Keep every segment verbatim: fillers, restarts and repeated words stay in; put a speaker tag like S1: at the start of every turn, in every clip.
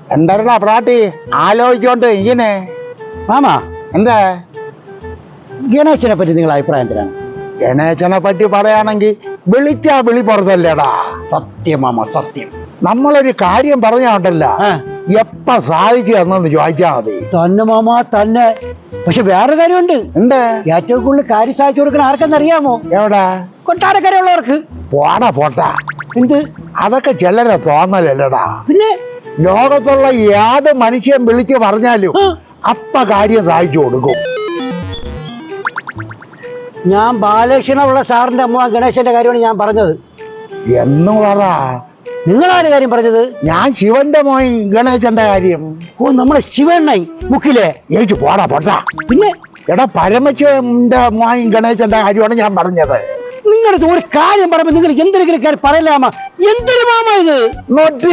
S1: എന്താ പ്രാട്ടി ആലോചിച്ചോണ്ട് ഇങ്ങനെ
S2: മാമാ
S1: എന്താ
S2: ഗണേശനെ പറ്റി നിങ്ങളുടെ അഭിപ്രായം എന്തിനാണ്?
S1: ഗണേശനെ പറ്റി പറയുകയാണെങ്കിൽ വിളിച്ചാ വിളി പുറത്തല്ലേടാ.
S2: സത്യം മാമ, സത്യം.
S1: നമ്മളൊരു കാര്യം പറഞ്ഞോണ്ടല്ല എപ്പ സാധിച്ചു എന്നു ചോദിച്ചാ മതി.
S2: തന്നെ മാമ തന്നെ. പക്ഷെ വേറെ കാര്യമുണ്ട്.
S1: ഉണ്ട്.
S2: ഏറ്റവും കൂടുതൽ കാര്യം സാധിച്ചു കൊടുക്കണ ആർക്കെന്നറിയാമോ?
S1: എവിടെ?
S2: കൊട്ടാരക്കരയുള്ളവർക്ക്.
S1: പോടാ പോട്ടാ.
S2: എന്ത്?
S1: അതൊക്കെ ചിലരെ തോന്നലല്ലടാ.
S2: പിന്നെ
S1: ലോകത്തുള്ള ഏത് മനുഷ്യൻ വിളിച്ചു പറഞ്ഞാലും അപ്പ കാര്യം സാധിച്ചു കൊടുക്കും.
S2: ഞാൻ ബാലകൃഷ്ണനുള്ള സാറിന്റെ അമ്മ ഗണേശന്റെ കാര്യമാണ് ഞാൻ പറഞ്ഞത്.
S1: എന്ന് പറ.
S2: നിങ്ങളാര് കാര്യം പറഞ്ഞത്?
S1: ഞാൻ ശിവന്റെ മോൻ ഗണേശന്റെ കാര്യം.
S2: ഓ, നമ്മളെ ശിവണ്ണായി മുക്കിലെ
S1: ഏച്ചു പോടാ പോട്ടാ.
S2: പിന്നെ
S1: എടാ പരമശിവന്റെ മോൻ ഗണേശന്റെ കാര്യമാണ് ഞാൻ പറഞ്ഞത്.
S2: നിങ്ങളുടെ ഒരു കാര്യം പറയുമ്പോ നിങ്ങൾ എന്തെങ്കിലും കാര്യം പറയലാമ. എന്തൊരു മാമ ഇത്
S1: നോട്ടി.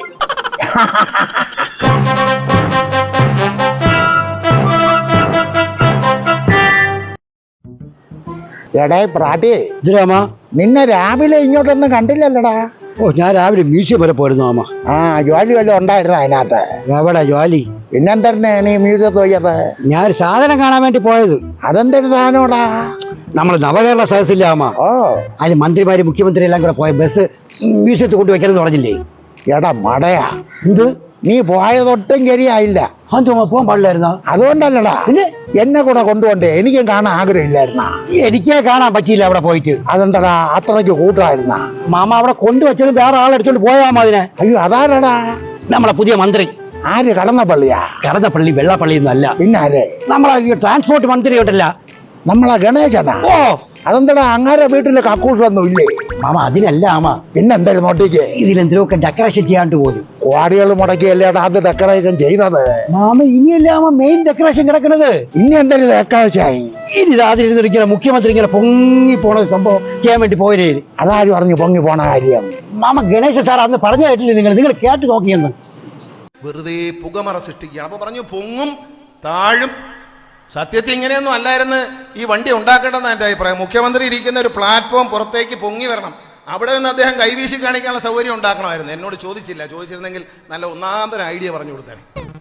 S1: എടേ പ്രാട്ടി,
S2: ഇതിരാമാ
S1: നിന്നെ രാവിലെ ഇങ്ങോട്ടൊന്നും കണ്ടില്ലല്ലടാ.
S2: ഓ, ഞാൻ രാവിലെ മ്യൂസിയം വരെ പോയിരുന്നു മാമ.
S1: ആ, ജോലി വല്ലതും ഉണ്ടായിരുന്നു അതിനകത്ത്?
S2: എവിടെ ജോലി?
S1: പിന്നെന്തന്നെ നീ മ്യൂസിയത്ത് പോയത്?
S2: ഞാൻ ഒരു സാധനം കാണാൻ വേണ്ടി പോയത്.
S1: അതെന്തൊരു സാധനോടാ?
S2: നമ്മള് നവകേരള സദസ്സില്ല അമ്മ.
S1: ഓ,
S2: അതിന് മന്ത്രിമാര് മുഖ്യമന്ത്രി എല്ലാം കൂടെ പോയ ബസ് മ്യൂസിയത്ത് കൊണ്ടുവയ്ക്കണം പറഞ്ഞില്ലേ?
S1: എടാ മടയാ,
S2: എന്ത്
S1: നീ പോയതൊട്ടും ശരിയായില്ല.
S2: അത് പോകാൻ പാടില്ലായിരുന്ന?
S1: അതുകൊണ്ടല്ലടാ
S2: പിന്നെ
S1: എന്നെ കൂടെ കൊണ്ടുപോണ്ടേ. എനിക്കും കാണാൻ ആഗ്രഹമില്ലായിരുന്ന?
S2: എനിക്കേ കാണാൻ പറ്റിയില്ല അവിടെ പോയിട്ട്.
S1: അതെന്താടാ അത്രയ്ക്ക് കൂട്ടായിരുന്ന?
S2: മാമ അവിടെ കൊണ്ടുവച്ചത് വേറെ ആളെടുത്തോണ്ട് പോയാൽ അതിനെ.
S1: അയ്യോ, അതാരടാ?
S2: നമ്മളെ പുതിയ മന്ത്രി.
S1: ആര്? കടന്നപ്പള്ളിയാ?
S2: കടന്നപ്പള്ളി വെള്ളപ്പള്ളി ഒന്നല്ല.
S1: പിന്നെ ആരെ?
S2: നമ്മളെ ഈ ട്രാൻസ്പോർട്ട് മന്ത്രി ഉണ്ടല്ല,
S1: നമ്മളെ ഗണേശനാ.
S2: ഓ,
S1: അതെന്താടാ അങ്ങാരെ വീട്ടില് കക്കൂസൊന്നും ഇല്ലേ?
S2: മാമ അതിനല്ല മാമ.
S1: പിന്നെന്തായാലും നോട്ടിക്ക്
S2: ഇതിലെന്തിനൊക്കെ ഡെക്കറേഷൻ ചെയ്യാണ്ട് പോലും.
S1: കോടികൾ മുടക്കിയല്ലേടാ അത് ഡെക്കറേഷൻ ചെയ്തത്.
S2: മാമ ഇനിയല്ല മാമ മെയിൻ ഡെക്കറേഷൻ കിടക്കുന്നത്.
S1: ഇനി എന്തായാലും ഡെക്കറേഷനായി.
S2: ഇനി അതിലിരുന്നിരിക്കുന്ന മുഖ്യമന്ത്രി ഇങ്ങനെ പൊങ്ങി പോണ സംഭവം ചെയ്യാൻ വേണ്ടി പോയേ.
S1: അതാരും പറഞ്ഞു പൊങ്ങി പോണ കാര്യം?
S2: മാമ ഗണേശ സാർ അന്ന് പറഞ്ഞു കേട്ടില്ലേ നിങ്ങൾ? നിങ്ങൾ കേട്ട് നോക്കിയെന്ന്.
S3: വെറുതെ പുകമറ സൃഷ്ടിക്കുകയാണ്. അപ്പൊ പറഞ്ഞു പൊങ്ങും താഴും. സത്യത്തിൽ ഇങ്ങനെയൊന്നും അല്ലായിരുന്നു ഈ വണ്ടി ഉണ്ടാക്കേണ്ടതെന്ന് എൻ്റെ അഭിപ്രായം. മുഖ്യമന്ത്രി ഇരിക്കുന്ന ഒരു പ്ലാറ്റ്ഫോം പുറത്തേക്ക് പൊങ്ങി വരണം. അവിടെ നിന്ന് അദ്ദേഹം കൈവീശി കാണിക്കാനുള്ള സൗകര്യം ഉണ്ടാക്കണമായിരുന്നു. എന്നോട് ചോദിച്ചില്ല. ചോദിച്ചിരുന്നെങ്കിൽ നല്ല ഒന്നാന്തര ഐഡിയ പറഞ്ഞു കൊടുത്തേനെ.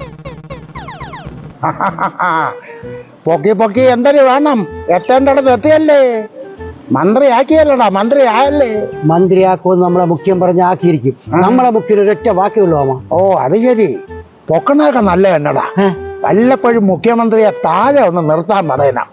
S1: പൊക്കി പൊക്കി എന്തൊരു വേണം? എത്തേണ്ടടത്ത് എത്തിയല്ലേ? മന്ത്രി ആക്കിയല്ലടാ, മന്ത്രി ആയല്ലേ?
S2: മന്ത്രിയാക്കുമെന്ന് നമ്മളെ മുഖ്യം പറഞ്ഞ് ആക്കിയിരിക്കും. നമ്മളെ മുഖ്യം ഒരൊറ്റ വാക്കുള്ളൂ മാമ.
S1: ഓ, അത് ശരി. പൊക്കണൊക്കെ നല്ല എന്നടാ. വല്ലപ്പോഴും മുഖ്യമന്ത്രിയെ താഴെ ഒന്ന് നിർത്താൻ പറയണം.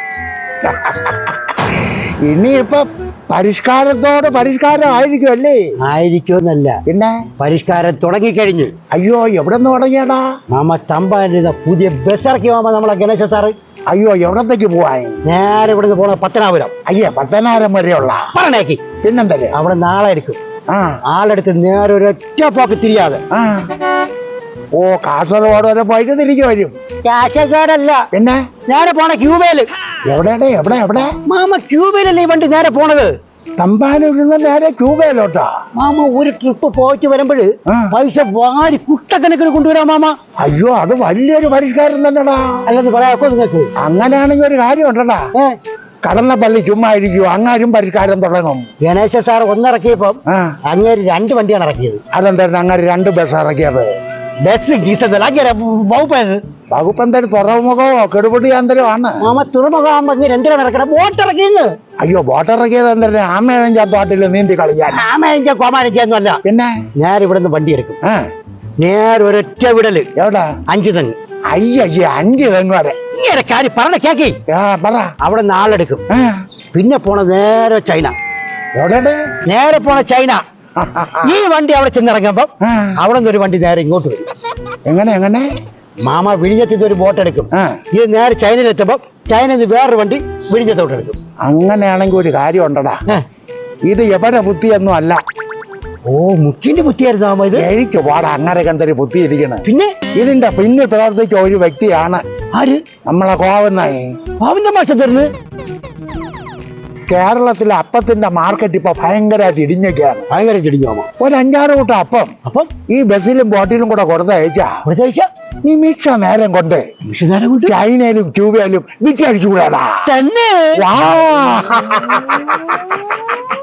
S1: ഇനിയിപ്പൊ പരിഷ്കാരത്തോട് പരിഷ്കാരം ആയിരിക്കും അല്ലേ?
S2: ആയിരിക്കുമെന്നല്ല,
S1: പിന്നെ
S2: പരിഷ്കാരം തുടങ്ങിക്കഴിഞ്ഞു.
S1: അയ്യോ, എവിടെ നിന്ന് തുടങ്ങിയടാ?
S2: മാമ തമ്പാനിരുന്ന പുതിയ ബസ് ഇറക്കി മാമ നമ്മളെ ഗണേശ സാറ്.
S1: അയ്യോ, എവിടത്തേക്ക് പോവാൻ?
S2: നേരെ ഇവിടെ നിന്ന് പോണ പത്തനാപുരം.
S1: അയ്യേ, പത്തനാപുരം വരെയുള്ള
S2: പറഞ്ഞേക്ക്.
S1: പിന്നെന്തല്ലേ?
S2: അവിടെ നാളെ എടുക്കും.
S1: ആ,
S2: ആളെടുത്ത് നേരെ ഒരൊറ്റ പോക്ക് തിരിയാതെ.
S1: ആ, ഓ, കാസർഗോഡ് വരെ പോയിട്ട് തിരിച്ചു വരും?
S2: കാസർഗോഡല്ല,
S1: പിന്നെ
S2: നേരെ പോണ ക്യൂബയില്.
S1: എവിടെയാടെ? എവിടെ എവിടെ?
S2: മാമ ക്യൂബയിലല്ലേ ഈ വണ്ടി നേരെ പോണത്?
S1: തമ്പാനൂരിന്ന് നേരെ ക്യൂബയിലോട്ടാ?
S2: മാമ ഒരു ട്രിപ്പ് പോയിട്ട് വരുമ്പോഴ് പൈസ വാരി കുട്ടക്കണക്കിന് കൊണ്ടുവരാം മാമ.
S1: അയ്യോ, അത് വലിയൊരു പരിഷ്കാരം തന്നെടാ.
S2: അല്ലെന്ന് പറയാക്കോ നിങ്ങൾക്ക്?
S1: അങ്ങനെയാണെങ്കിൽ ഒരു കാര്യം ഉണ്ടടാ. കടന്നപ്പള്ളി ചുമ്മാ ഇരിക്കുവോ? അങ്ങാരും പരിഷ്കാരം തുടങ്ങും.
S2: ഗണേശ സാർ ഒന്നിറക്കിയപ്പം അങ്ങേര് രണ്ട് വണ്ടിയാണ് ഇറക്കിയത്.
S1: അതെന്തായിരുന്നു അങ്ങനെ രണ്ട് ബസ് ഇറക്കിയത്?
S2: ബസ് ഡീസൽ അങ്ങേരെ വകുപ്പത്.
S1: വകുപ്പ് എന്തായാലും തുറമുഖമോ കെടുപൊടി അന്തരോ ആണ്.
S2: മാമ തുറമുഖമാകുമ്പോ അങ്ങ് രണ്ടിനാണ് ഇറക്കണം. ബോട്ട് ഇറക്കിയെന്ന്.
S1: അയ്യോ, ബോട്ട് ഇറക്കിയത് എന്തായാലും ആമേഴം ചാത്തോട്ടില് നീന്തി കളിക്കാൻ?
S2: ആമേഞ്ച കോമാനൊന്നും അല്ല. പിന്നെ ഞാൻ ഇവിടെ നിന്ന് വണ്ടി എടുക്കും. നേരെ ഒരൊറ്റ വിടല്.
S1: എവിടെ?
S2: അഞ്ചു തെങ്ങ്.
S1: അയ്യോ, അഞ്ച് തെങ്ങ് വരെ?
S2: ഇങ്ങനെ കാര്യം പറഞ്ഞ കേക്കി.
S1: പറ.
S2: അവിടെ നാളെടുക്കും. പിന്നെ പോണ നേരെ ചൈന.
S1: എവിടെ?
S2: നേരെ പോണ ചൈന. ഈ വണ്ടി അവിടെ ചെന്നിറങ്ങുമ്പോ അവിടെ നിന്ന് ഒരു വണ്ടി നേരെ ഇങ്ങോട്ട് വരും.
S1: എങ്ങനെ എങ്ങനെ?
S2: മാമ വിഴിഞ്ഞത്തിൽ ഒരു ബോട്ട് എടുക്കും. ഇത് നേരെ ചൈനയിലെത്തുമ്പോ ചൈനയിൽ വേറൊരു വണ്ടി വിഴിഞ്ഞത്തോട്ട് എടുക്കും.
S1: അങ്ങനെയാണെങ്കിൽ ഒരു കാര്യം ഉണ്ടടാ. ഇത് എവരെ ബുദ്ധിയൊന്നും അല്ല.
S2: ഓ, മുഖ്യന്റെ ബുദ്ധിയായിരുന്നു മാമ ഇത്.
S1: കഴിച്ചു പാടാ. അങ്ങനെ എന്തൊരു ബുദ്ധി ഇരിക്കണ.
S2: പിന്നെ
S1: ഇതിന്റെ പിന്നിൽ പ്രവർത്തിച്ച ഒരു വ്യക്തിയാണ്.
S2: ആര്?
S1: നമ്മളെ കോവന്നായി.
S2: കോവന്റെ മാഷ തരുന്നു.
S1: കേരളത്തിലെ അപ്പത്തിന്റെ മാർക്കറ്റ് ഇപ്പൊ ഭയങ്കരമായിട്ട് ഇടിഞ്ഞൊക്കെയാണ്.
S2: ഭയങ്കരമായിട്ട് ഇടിഞ്ഞു മാമ.
S1: ഒരു അഞ്ചാറ് കൂട്ടം അപ്പം അപ്പം ഈ ബസ്സിലും ബോട്ടിലും കൂടെ കൊടുത്തയച്ചാ നിമിഷ നേരം കൊണ്ട് ചൈനയിലും ക്യൂബയിലും വിറ്റടിച്ചുകൂടാ തന്നെ. വാ